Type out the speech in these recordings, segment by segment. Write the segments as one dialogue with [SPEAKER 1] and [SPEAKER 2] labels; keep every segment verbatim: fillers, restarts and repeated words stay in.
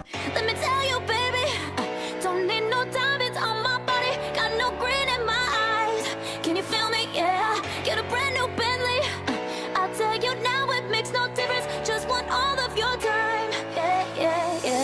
[SPEAKER 1] Let me tell you, baby, uh, don't need no diamonds on my body, got no green in my eyes. Can you feel me? Yeah, get a brand new Bentley. Uh, I'll tell you now, it makes no difference. Just want all of your time. Yeah, yeah, yeah.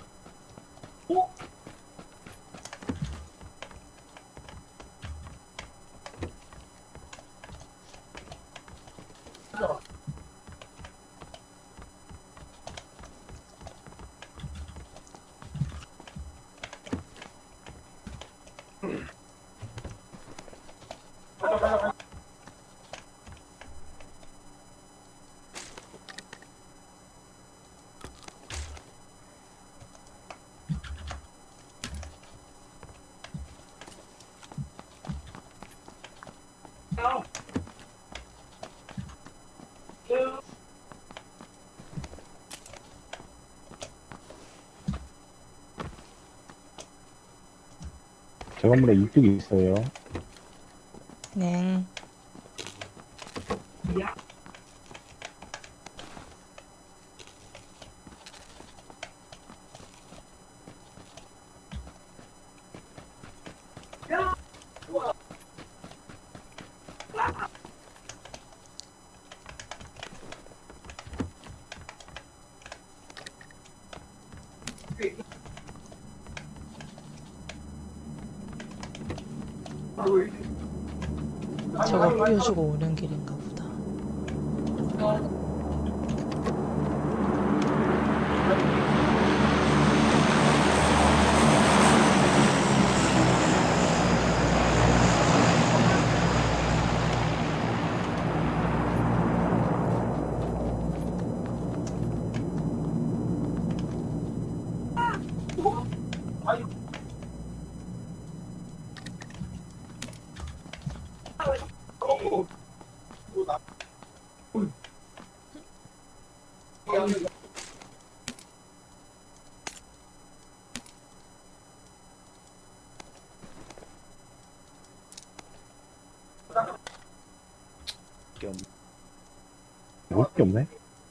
[SPEAKER 2] 저 건물에 이쪽이 있어요.
[SPEAKER 3] 네. 저거 뿌려주고 오는 길인가 보다.
[SPEAKER 2] 볼 게 없네.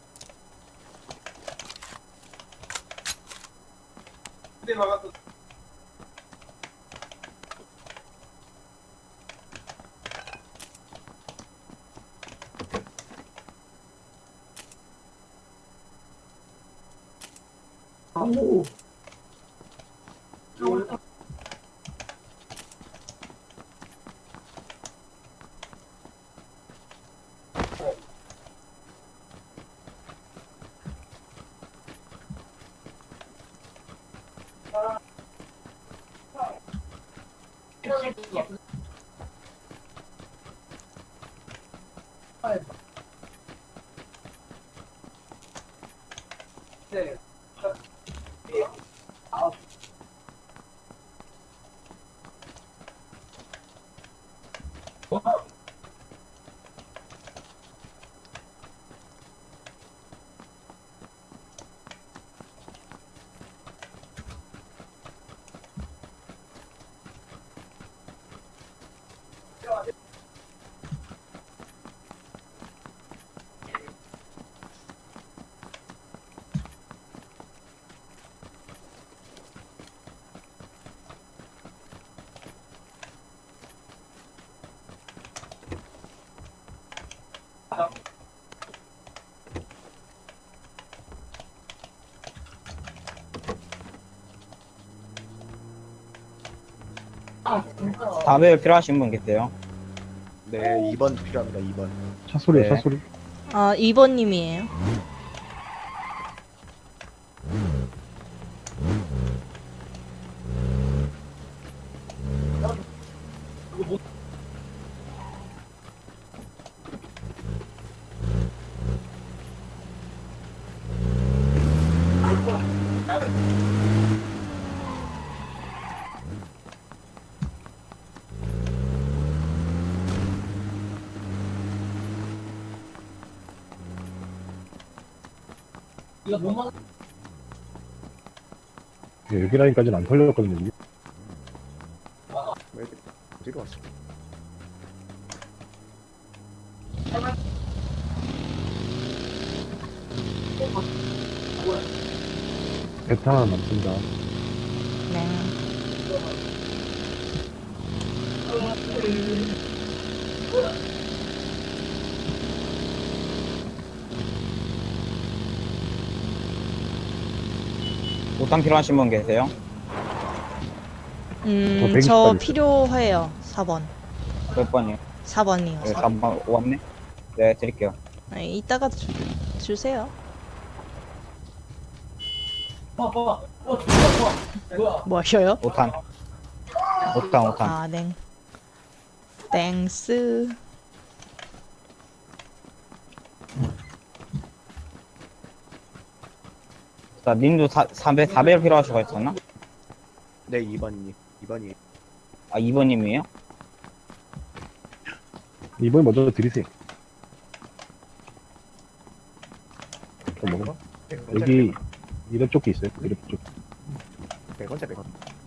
[SPEAKER 4] 담배 필요하신 분 계세요?
[SPEAKER 5] 네, 이 번 필요합니다. 이 번.
[SPEAKER 2] 차 소리야,
[SPEAKER 4] 네.
[SPEAKER 2] 차 소리.
[SPEAKER 3] 아, 이 번님이에요.
[SPEAKER 2] 예, 여기 라인까지는 안 털렸거든요. 이게.
[SPEAKER 5] 왜 어디로 왔어?
[SPEAKER 2] 배탄 하나 남습니다.
[SPEAKER 3] 네.
[SPEAKER 4] 오탄 필요하신 분 계세요?
[SPEAKER 3] 음,
[SPEAKER 2] 저 백이십
[SPEAKER 3] 저
[SPEAKER 2] 까지
[SPEAKER 3] 필요해요. 사 번.
[SPEAKER 4] 몇 번이요?
[SPEAKER 3] 사 번이요.
[SPEAKER 4] 네, 삼 번 왔네? 네, 드릴게요.
[SPEAKER 3] 네, 이따가 주, 주세요. 뭐 하셔요?
[SPEAKER 4] 오탄. 오탄, 오탄.
[SPEAKER 3] 아, 네. 땡스.
[SPEAKER 4] 자, 님도 사, 사 배, 사 배를 필요하시고 있었나?
[SPEAKER 5] 네, 이 번님. 이 번이.
[SPEAKER 4] 아, 이 번님이에요?
[SPEAKER 2] 이번에 먼저 드리세요. 또 먹어? 여기 이런 쪽에 있어요. 이런 쪽.
[SPEAKER 5] 백 원짜리 백 원.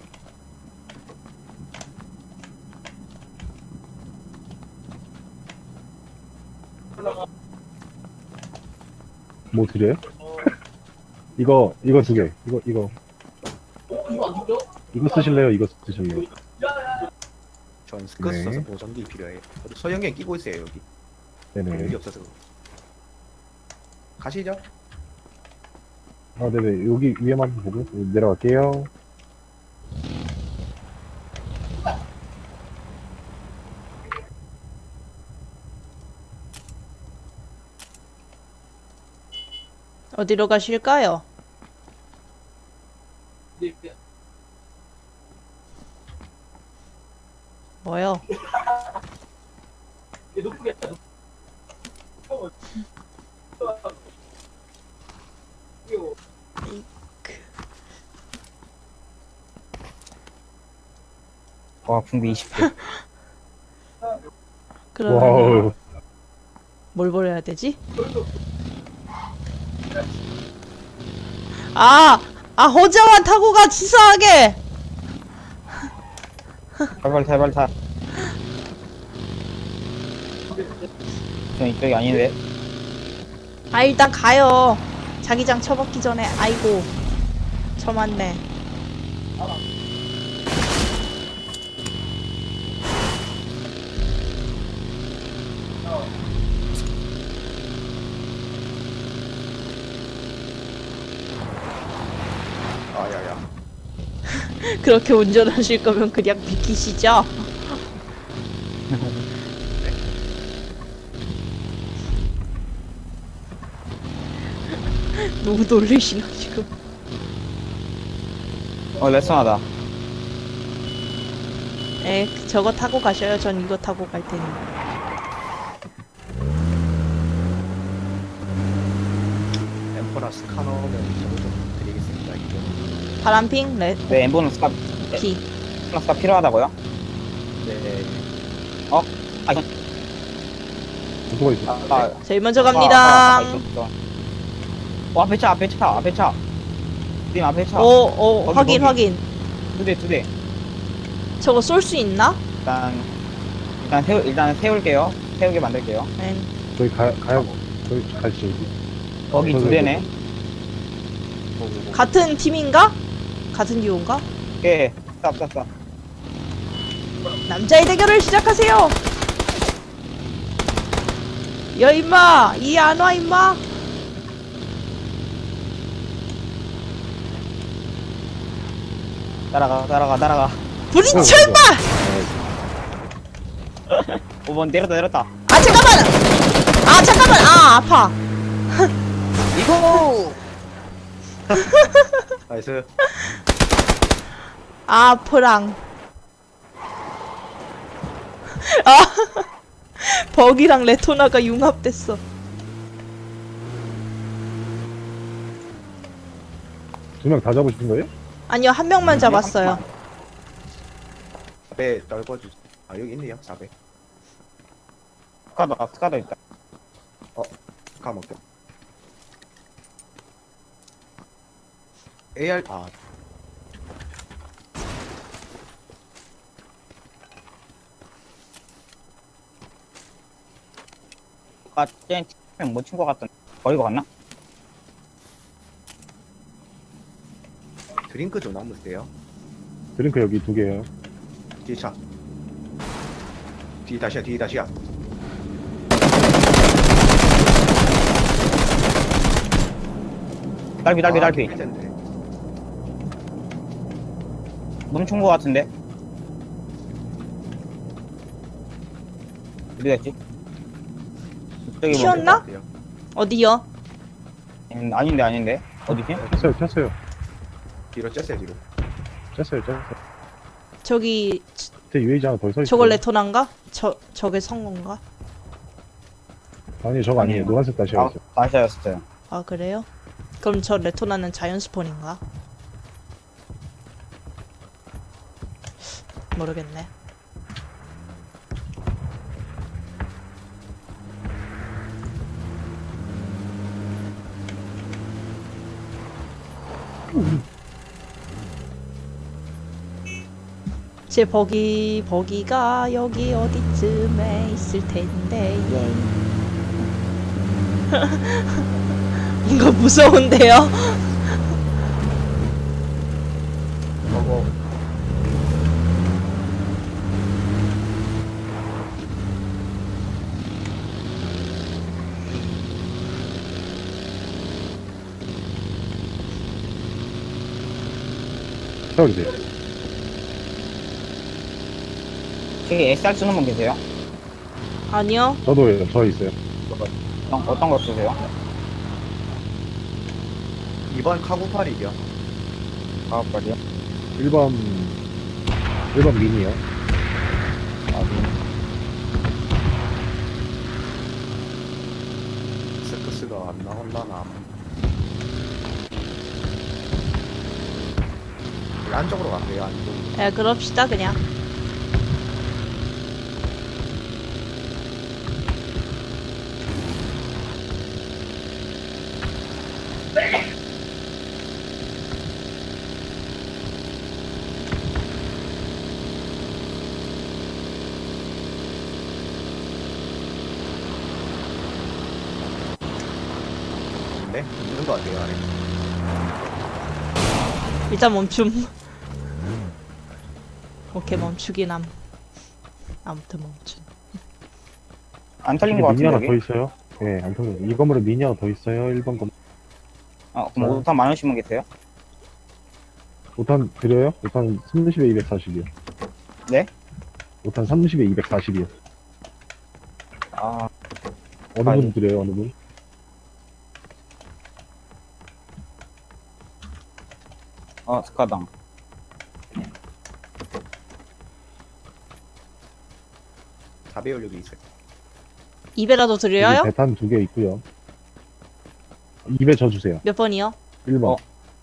[SPEAKER 2] 뭐 드려요? 이거 이거 두 개. 이거 이거. 이거 쓰실래요? 이거 쓰실래요?
[SPEAKER 5] 전 스커스
[SPEAKER 2] 네.
[SPEAKER 5] 써서 보정기 필요해요. 저도 소형견 끼고 있어요, 여기.
[SPEAKER 2] 네네.
[SPEAKER 5] 여기 없어서. 가시죠.
[SPEAKER 2] 아 네네. 여기 위에만 보고 내려갈게요.
[SPEAKER 3] 어디로 가실까요? 뭐요?
[SPEAKER 4] 와, 붕대 이십 개.
[SPEAKER 3] 그러면
[SPEAKER 2] 와우.
[SPEAKER 3] 뭘 버려야 되지? 아! 아, 호자만 타고 가, 치사하게!
[SPEAKER 4] 탈발, 탈발, 탈. 전 이쪽이 아닌데.
[SPEAKER 3] 아, 일단 가요. 자기장 쳐박기 전에, 아이고. 쳐맞네.
[SPEAKER 5] 아, 야, 야.
[SPEAKER 3] 그렇게 운전하실 거면 그냥 비키시죠? 너무 놀리시나 지금.
[SPEAKER 4] 어, 레슨하다.
[SPEAKER 3] 에, 저거 타고 가셔요. 전 이거 타고 갈 테니.
[SPEAKER 5] 엠퍼라 스카너는 저거 좀 드리겠습니다. 이거.
[SPEAKER 3] 파란핑, 레,
[SPEAKER 4] 네, 엠보는 스카,
[SPEAKER 3] 피.
[SPEAKER 4] 스카 필요하다고요?
[SPEAKER 5] 네.
[SPEAKER 4] 아, 이건,
[SPEAKER 2] 누가 있어?
[SPEAKER 4] 아, 아,
[SPEAKER 3] 저희 먼저
[SPEAKER 4] 아, 아,
[SPEAKER 3] 갑니다.
[SPEAKER 4] 아, 있었어. 어, 앞에 차, 앞에 차, 앞에 차. 님 앞에 차.
[SPEAKER 3] 오, 오,
[SPEAKER 4] 거기,
[SPEAKER 3] 확인,
[SPEAKER 4] 거기.
[SPEAKER 3] 확인.
[SPEAKER 4] 두 대, 두 대.
[SPEAKER 3] 저거 쏠 수 있나?
[SPEAKER 4] 일단, 일단 세우, 일단 세울게요. 세우게 만들게요.
[SPEAKER 3] 네.
[SPEAKER 2] 저희 가 가요. 저희 가시죠. 여기.
[SPEAKER 4] 거기 두 대네.
[SPEAKER 3] 같은 팀인가? 같은 듀오인가?
[SPEAKER 4] 예, 스탑, 스탑, 스탑.
[SPEAKER 3] 남자의 대결을 시작하세요. 야 임마, 이 안 와 임마.
[SPEAKER 4] 따라가, 따라가, 따라가.
[SPEAKER 3] 부딪혀
[SPEAKER 2] 어,
[SPEAKER 3] 임마.
[SPEAKER 4] 오 번 내렸다, 내렸다.
[SPEAKER 3] 아 잠깐만. 아 잠깐만. 아 아파.
[SPEAKER 4] 이거!
[SPEAKER 5] 나이스.
[SPEAKER 3] 아 프랑. 아 버기랑 레토나가 융합됐어.
[SPEAKER 2] 두 명 다 잡으신 거예요?
[SPEAKER 3] 아니요 한 명만 잡았어요.
[SPEAKER 5] 배 떨궈주세요. 아, 여기 있네요. 사 배.
[SPEAKER 4] 스카도, 아, 스카도 있다.
[SPEAKER 5] 까먹죠. 에이알, 아,
[SPEAKER 4] 아, 쟤 팀명 못 친 것 같던. 버리고 갔나?
[SPEAKER 5] 드링크 좀 남으세요?
[SPEAKER 2] 드링크 여기 두 개요.
[SPEAKER 5] 뒤에 차. 뒤 다시야, 뒤 다시야.
[SPEAKER 4] 딸피 딸피
[SPEAKER 5] 아,
[SPEAKER 4] 딸피.
[SPEAKER 5] 킬 텐데.
[SPEAKER 4] 멈춘 거 같은데. 어디 갔지? 저기 뭐-
[SPEAKER 3] 튀었나? 어디요?
[SPEAKER 4] 음, 아닌데 아닌데. 어디지?
[SPEAKER 2] 쳤어요, 쳤어요.
[SPEAKER 5] 뒤로 쬐세요, 뒤로.
[SPEAKER 2] 쳤어요, 쳤어요.
[SPEAKER 3] 저기
[SPEAKER 2] 밑에 유에이지 하나 더 서 있어요.
[SPEAKER 3] 저걸 레토나인가? 저 저게 성공가?
[SPEAKER 2] 아니, 저거 아니에요.
[SPEAKER 4] 아니에요.
[SPEAKER 2] 노란색 다시
[SPEAKER 4] 아,
[SPEAKER 2] 하죠.
[SPEAKER 4] 다시였어요.
[SPEAKER 3] 아 그래요? 그럼 저 레토나는 자연 스폰인가? 모르겠네. 제 버기 버기가 여기 어디쯤에 있을 텐데 예. 이거 무서운데요?
[SPEAKER 5] 먹어.
[SPEAKER 2] 세워주세요.
[SPEAKER 4] 저기 에스알 쓰는 분 계세요?
[SPEAKER 3] 아니요.
[SPEAKER 2] 저도요, 저 있어요.
[SPEAKER 4] 어떤, 어떤 거 쓰세요?
[SPEAKER 5] 이번 카구팔이요.
[SPEAKER 4] 아, 빨리요.
[SPEAKER 2] 일 번, 일 번 미니요.
[SPEAKER 4] 아, 네.
[SPEAKER 5] 스크스가 안 나온다나. 안쪽으로 갈게요, 안쪽.
[SPEAKER 3] 예, 그럽시다 그냥.
[SPEAKER 5] 네? 있는 거 같아요, 아래.
[SPEAKER 3] 일단 멈춤. 오케이 멈추긴 함. 아무튼 멈춤.
[SPEAKER 4] 안 털린
[SPEAKER 2] 이게
[SPEAKER 4] 거
[SPEAKER 2] 미니
[SPEAKER 4] 같은데,
[SPEAKER 2] 하나
[SPEAKER 4] 여기?
[SPEAKER 2] 더 있어요. 예, 안 통해요. 이 건물에 미니 하나 더 있어요. 일 번 건물.
[SPEAKER 4] 아, 그럼 오탄 많으신 분 계세요?
[SPEAKER 2] 오탄 드려요? 오탄 삼십에 이백사십이요.
[SPEAKER 4] 네?
[SPEAKER 2] 오탄 삼십에 이백사십이요.
[SPEAKER 4] 아,
[SPEAKER 2] 어느
[SPEAKER 4] 아니.
[SPEAKER 2] 분 드려요, 어느 분?
[SPEAKER 4] 어, 스카당.
[SPEAKER 5] 사배율 여기 있어요.
[SPEAKER 3] 입에라도 드려요?
[SPEAKER 2] 여기 배탄 두 개 있고요. 입에 저 주세요.
[SPEAKER 3] 몇 번이요?
[SPEAKER 2] 일 번.
[SPEAKER 4] 어.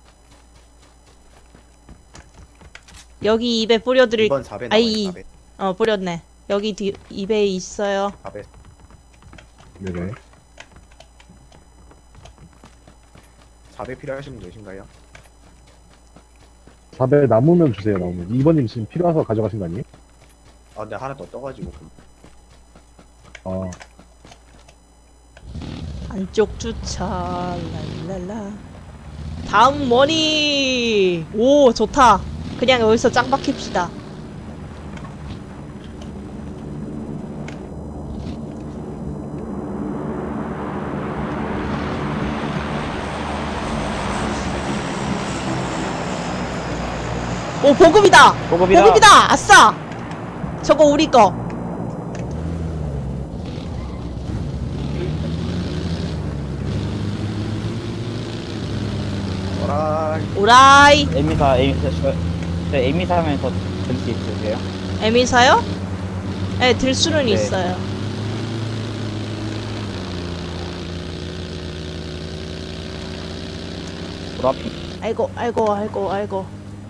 [SPEAKER 3] 여기 입에 뿌려드릴.
[SPEAKER 5] 이번 사배
[SPEAKER 3] 아이.
[SPEAKER 5] 나와요, 사배.
[SPEAKER 3] 어 뿌렸네. 여기 뒤 입에 있어요.
[SPEAKER 5] 사배.
[SPEAKER 2] 네네.
[SPEAKER 5] 사배 필요하신 분 계신가요?
[SPEAKER 2] 사배 남으면 주세요, 남으면. 이 번님 지금 필요해서 가져가신 거 아니에요?
[SPEAKER 5] 아, 근데 하나 더 떠가지고. 그럼.
[SPEAKER 2] 아,
[SPEAKER 3] 안쪽 주차. 랄랄라. 다음 머니. 오 좋다. 그냥 여기서 짱 박힙시다. 오 보급이다.
[SPEAKER 4] 보급이다.
[SPEAKER 3] 보급이다. 아싸. 저거 우리 거.
[SPEAKER 5] 어라이.
[SPEAKER 3] 오라이.
[SPEAKER 4] 에미사, 에미사, 저, 저 에미사 하면서 들 수 있으세요?
[SPEAKER 3] 에미사요? 네, 들 수는
[SPEAKER 4] 네.
[SPEAKER 3] 있어요.
[SPEAKER 4] 보라피.
[SPEAKER 3] 아이고, 아이고, 아이고, 아이고.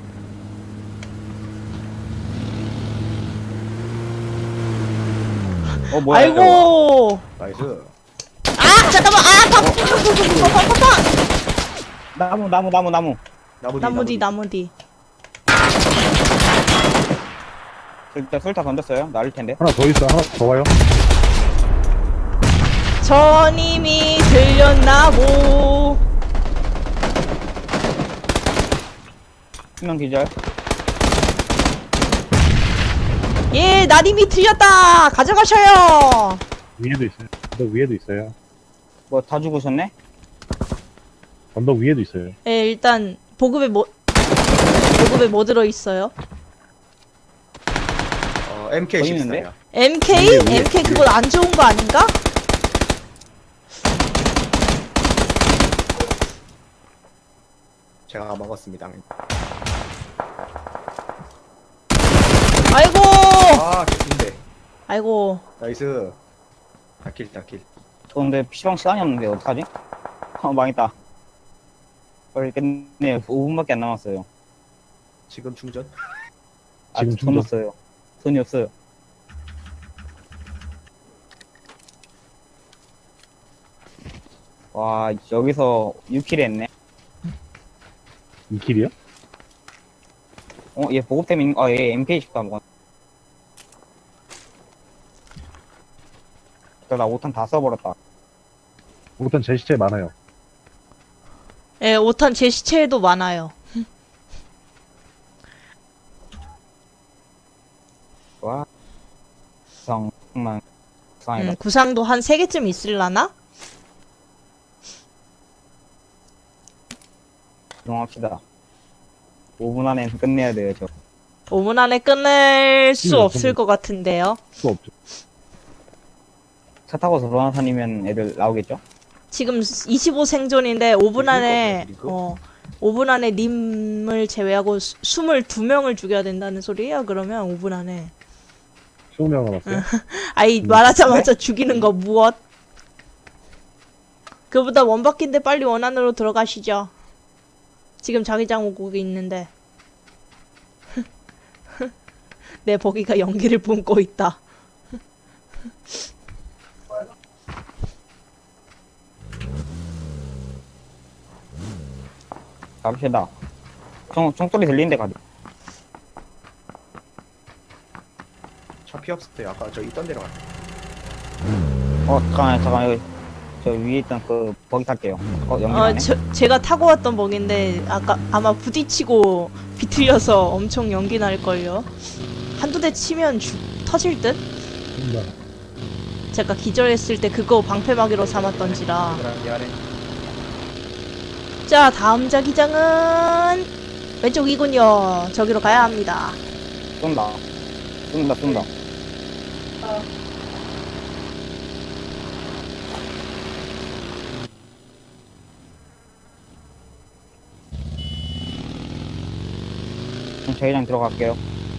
[SPEAKER 4] 어, 뭐야, 이거.
[SPEAKER 3] 아이고.
[SPEAKER 5] 나이스.
[SPEAKER 3] 아, 잠깐만. 아, 파, 파, 파, 파, 파.
[SPEAKER 4] 나무, 나무, 나무, 나무.
[SPEAKER 5] 나무 뒤,
[SPEAKER 3] 나무 뒤, 나무 뒤.
[SPEAKER 4] 일단 설타 던졌어요. 나를 텐데.
[SPEAKER 2] 하나 더 있어. 하나 더 와요.
[SPEAKER 3] 전임이 들렸나 보.
[SPEAKER 4] 명 기절.
[SPEAKER 3] 예, 나님이 틀렸다. 가져가셔요.
[SPEAKER 2] 위에도 있어요. 언덕 위에도 있어요.
[SPEAKER 4] 뭐 다 죽으셨네?
[SPEAKER 2] 언덕 위에도 있어요.
[SPEAKER 3] 예, 일단 보급에 뭐 보급에 뭐 들어 있어요?
[SPEAKER 5] 어, 엠케이
[SPEAKER 4] 보이는데?
[SPEAKER 5] 십사요.
[SPEAKER 3] 엠케이?
[SPEAKER 2] 위에, 위에,
[SPEAKER 3] 엠케이 그건 안 좋은 거 아닌가?
[SPEAKER 5] 제가 먹었습니다.
[SPEAKER 3] 아이고.
[SPEAKER 5] 아, 개인데.
[SPEAKER 3] 아이고.
[SPEAKER 5] 나이스. 다킬, 다킬.
[SPEAKER 4] 저 근데 피시방 시간이 없는데 어떡하지? 어 망했다. 빨리 끝내. 오 분밖에 안 남았어요.
[SPEAKER 5] 지금 충전?
[SPEAKER 4] 아직
[SPEAKER 2] 지금
[SPEAKER 4] 돈
[SPEAKER 2] 충전.
[SPEAKER 4] 없어요. 돈이 없어요. 와 여기서 육 킬 했네.
[SPEAKER 2] 이 킬이요?
[SPEAKER 4] 어 얘 보급템 있는 아얘 엠케이 십사 먹었. 나 오 탄 다 써버렸다.
[SPEAKER 2] 일단 제 시체 많아요.
[SPEAKER 3] 예, 오 탄 제 시체에도 많아요.
[SPEAKER 4] 와 정말 상이다.
[SPEAKER 3] 음, 구상도 한 세 개쯤 있을라나?
[SPEAKER 4] 이동합시다. 오 분 안에 끝내야 돼요 저.
[SPEAKER 3] 오 분 안에 끝낼 수
[SPEAKER 2] 음,
[SPEAKER 3] 없을
[SPEAKER 2] 근데-
[SPEAKER 3] 것 같은데요.
[SPEAKER 2] 수 없죠.
[SPEAKER 4] 차 타고 돌아다니면 애들 나오겠죠?
[SPEAKER 3] 지금 이십오 생존인데 오 분
[SPEAKER 5] 리그
[SPEAKER 3] 안에
[SPEAKER 5] 거구나, 리그?
[SPEAKER 3] 어 오 분 안에 님을 제외하고 수- 이십이 명을 죽여야 된다는 소리예요. 그러면 오 분 안에.
[SPEAKER 2] 이십 명 남았어요.
[SPEAKER 3] 아이
[SPEAKER 2] 음.
[SPEAKER 3] 말하자마자 죽이는 거 무엇? 그보다 원바퀴인데 빨리 원안으로 들어가시죠. 지금 자기장 오고 있는데. 내 버기가 연기를 뿜고 있다.
[SPEAKER 4] 갑시다. 총, 총소리 들리는데 가자.
[SPEAKER 5] 차 피 없을 때 아까 저 있던 데로 갔다.
[SPEAKER 4] 어, 잠깐만, 잠깐만, 여기, 저 위에 있던 그, 버기 탈게요. 어,
[SPEAKER 3] 어,
[SPEAKER 4] 연기하네?
[SPEAKER 3] 저, 제가 타고 왔던 버기인데 아까 아마 부딪히고 비틀려서 엄청 연기 날걸요. 한두 대 치면 죽, 터질 듯?
[SPEAKER 2] 음,
[SPEAKER 3] 제가 기절했을 때 그거 방패막이로 삼았던지라.
[SPEAKER 5] 얘들아, 미안해.
[SPEAKER 3] 자, 다음 자기장은 왼쪽이군요. 저기로 가야 합니다.
[SPEAKER 4] 쏜다. 쏜다, 쏜다. 그럼 자기장 들어갈게요.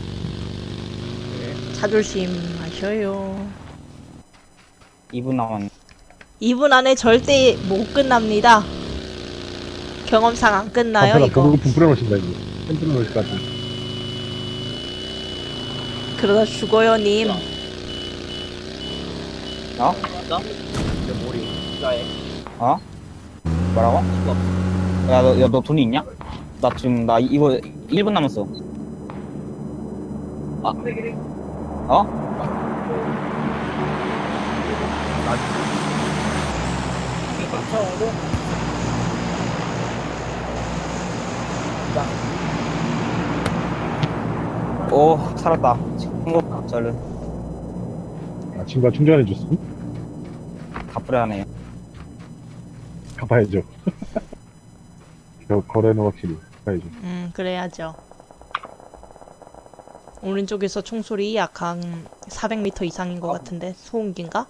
[SPEAKER 5] 네.
[SPEAKER 3] 자존심 하셔요.
[SPEAKER 4] 이 분 남았네.
[SPEAKER 3] 이 분 안에 절대 못 끝납니다. 경험상 안 끝나요,
[SPEAKER 2] 앞에다
[SPEAKER 3] 이거.
[SPEAKER 2] 보급품 뿌려놓으신다 이거. 펜 뿌려놓으실 것 같은데.
[SPEAKER 3] 그러다 죽어요, 님.
[SPEAKER 4] 어?
[SPEAKER 5] 내 머리.
[SPEAKER 4] 어? 뭐라고? 야, 너, 야, 너 돈이 있냐? 나 지금, 나 이거 일 분 남았어. 아. 어? 오, 살았다. 친구, 저를
[SPEAKER 2] 아, 친구가 충전해줬어?
[SPEAKER 4] 가쁘레하네요.
[SPEAKER 2] 갚아야죠. 저 거래는 확실히 갚아야죠.
[SPEAKER 3] 음, 그래야죠. 오른쪽에서 총소리 약 한 사백 미터 이상인 것 같은데 소음기인가?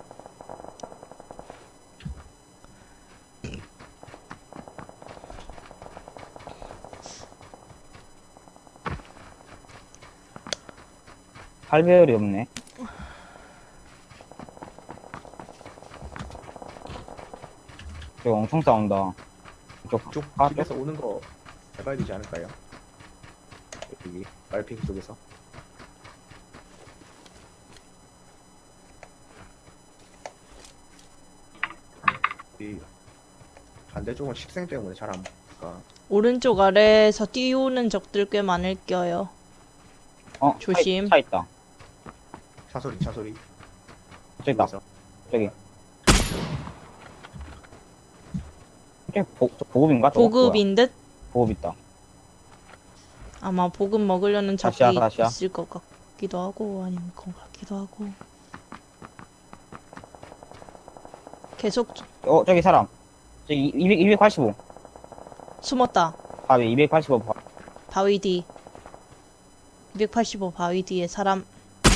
[SPEAKER 4] 팔 배율이 없네. 저기 엄청 싸운다. 이쪽,
[SPEAKER 5] 쪽
[SPEAKER 4] 아,
[SPEAKER 5] 집에서 오는 거 해봐야 되지 않을까요? 여기 말핑 쪽에서. 이 반대쪽은 식생 때문에 잘 안 보니까.
[SPEAKER 3] 오른쪽 아래에서 띄우는 적들 꽤 많을 껴요.
[SPEAKER 4] 어,
[SPEAKER 3] 조심.
[SPEAKER 4] 차, 있- 차 있다.
[SPEAKER 5] 차 소리, 차 소리.
[SPEAKER 4] 저기 있다.
[SPEAKER 5] 그래서
[SPEAKER 4] 저기. 저기 보, 저 보급인가? 저거?
[SPEAKER 3] 보급인 듯?
[SPEAKER 4] 뭐야? 보급 있다.
[SPEAKER 3] 아마 보급 먹으려는 적이
[SPEAKER 4] 다시야, 다시야.
[SPEAKER 3] 있을 것 같기도 하고 아니면 것 같기도 하고. 계속
[SPEAKER 4] 어 저기 사람. 저기 이백 이백팔십오.
[SPEAKER 3] 숨었다.
[SPEAKER 4] 바위 이백팔십오. 바...
[SPEAKER 3] 바위 뒤. 이백팔십오 바위 뒤에 사람.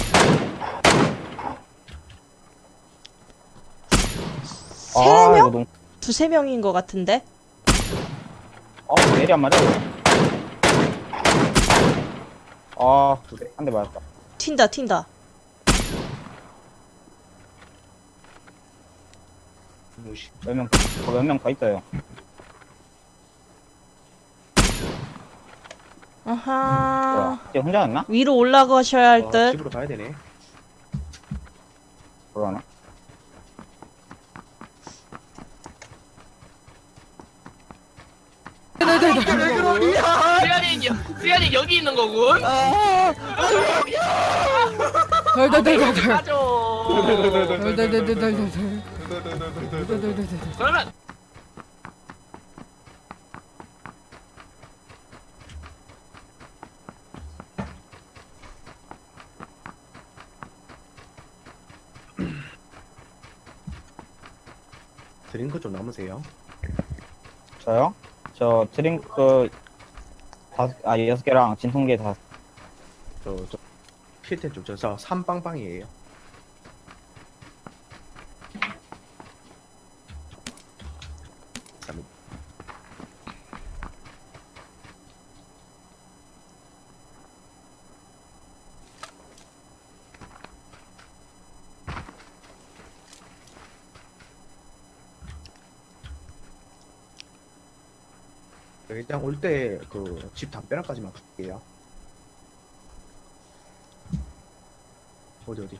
[SPEAKER 3] 세
[SPEAKER 4] 아
[SPEAKER 3] 명?
[SPEAKER 4] 이거 너무.
[SPEAKER 3] 두세 명인 것 같은데?
[SPEAKER 4] 어 내리 안 맞아. 아, 한 대 맞았다.
[SPEAKER 3] 튄다 튄다.
[SPEAKER 5] 무시.
[SPEAKER 4] 몇 명, 몇 명 더 있어요.
[SPEAKER 3] 아하.
[SPEAKER 4] 뭐야, 이제 혼자였나?
[SPEAKER 3] 위로 올라가셔야 할
[SPEAKER 5] 어,
[SPEAKER 3] 듯.
[SPEAKER 5] 집으로 가야 되네.
[SPEAKER 4] 그러나?
[SPEAKER 6] 수현이 수현이 여기 있는 거군.
[SPEAKER 7] 덜덜덜덜덜.
[SPEAKER 6] 가죠.
[SPEAKER 7] 덜덜덜덜덜.
[SPEAKER 6] 그러면
[SPEAKER 5] 드링크 좀 남으세요.
[SPEAKER 4] 저요? 저 드링크 다섯, 아, 여섯 개랑 진통제 다,
[SPEAKER 5] 저, 저, 필텐 좀, 저, 저, 삼빵빵이에요. 감사합니다. 일단 올 때 그 집 담벼락까지만 갈게요. 어디 어디?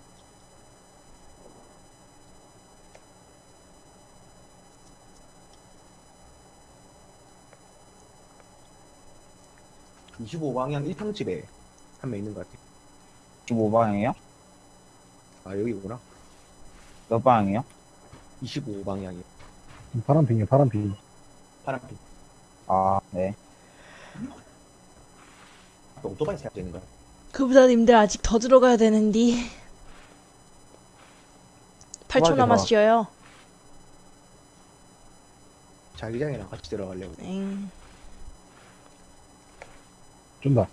[SPEAKER 5] 이십오 방향 일 평집에 한 명 있는 것 같아.
[SPEAKER 4] 십오 방향이요?
[SPEAKER 5] 아 여기구나.
[SPEAKER 4] 몇 방향이요?
[SPEAKER 5] 이십오 방향이
[SPEAKER 2] 파란 핑이야, 파란 핑.
[SPEAKER 5] 파란빛.
[SPEAKER 4] 아, 네.
[SPEAKER 5] 또 오토바이 세워져 있는 거야.
[SPEAKER 3] 그보다님들 아직 더 들어가야 되는데. 팔 초
[SPEAKER 4] 맞아.
[SPEAKER 3] 남았어요.
[SPEAKER 5] 자기장이랑 같이 들어가려고.
[SPEAKER 3] 엥.
[SPEAKER 2] 쫀다.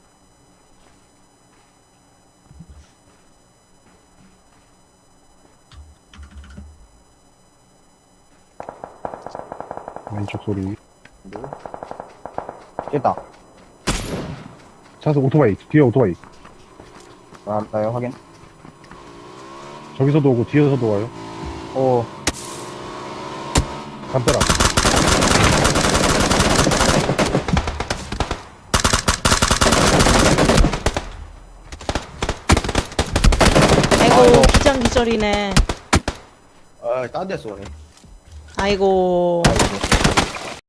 [SPEAKER 2] 왼쪽 소리.
[SPEAKER 5] 뭐?
[SPEAKER 4] 됐다.
[SPEAKER 2] 차서 오토바이, 뒤에 오토바이.
[SPEAKER 4] 아, 나요, 확인.
[SPEAKER 2] 저기서도 오고, 뒤에서도 와요.
[SPEAKER 4] 오,
[SPEAKER 2] 담벼락.
[SPEAKER 3] 아이고
[SPEAKER 4] 아이고.
[SPEAKER 3] 기장기절이네.
[SPEAKER 5] 아, 딴 데 쏘네.
[SPEAKER 3] 아이고.
[SPEAKER 4] 아이고.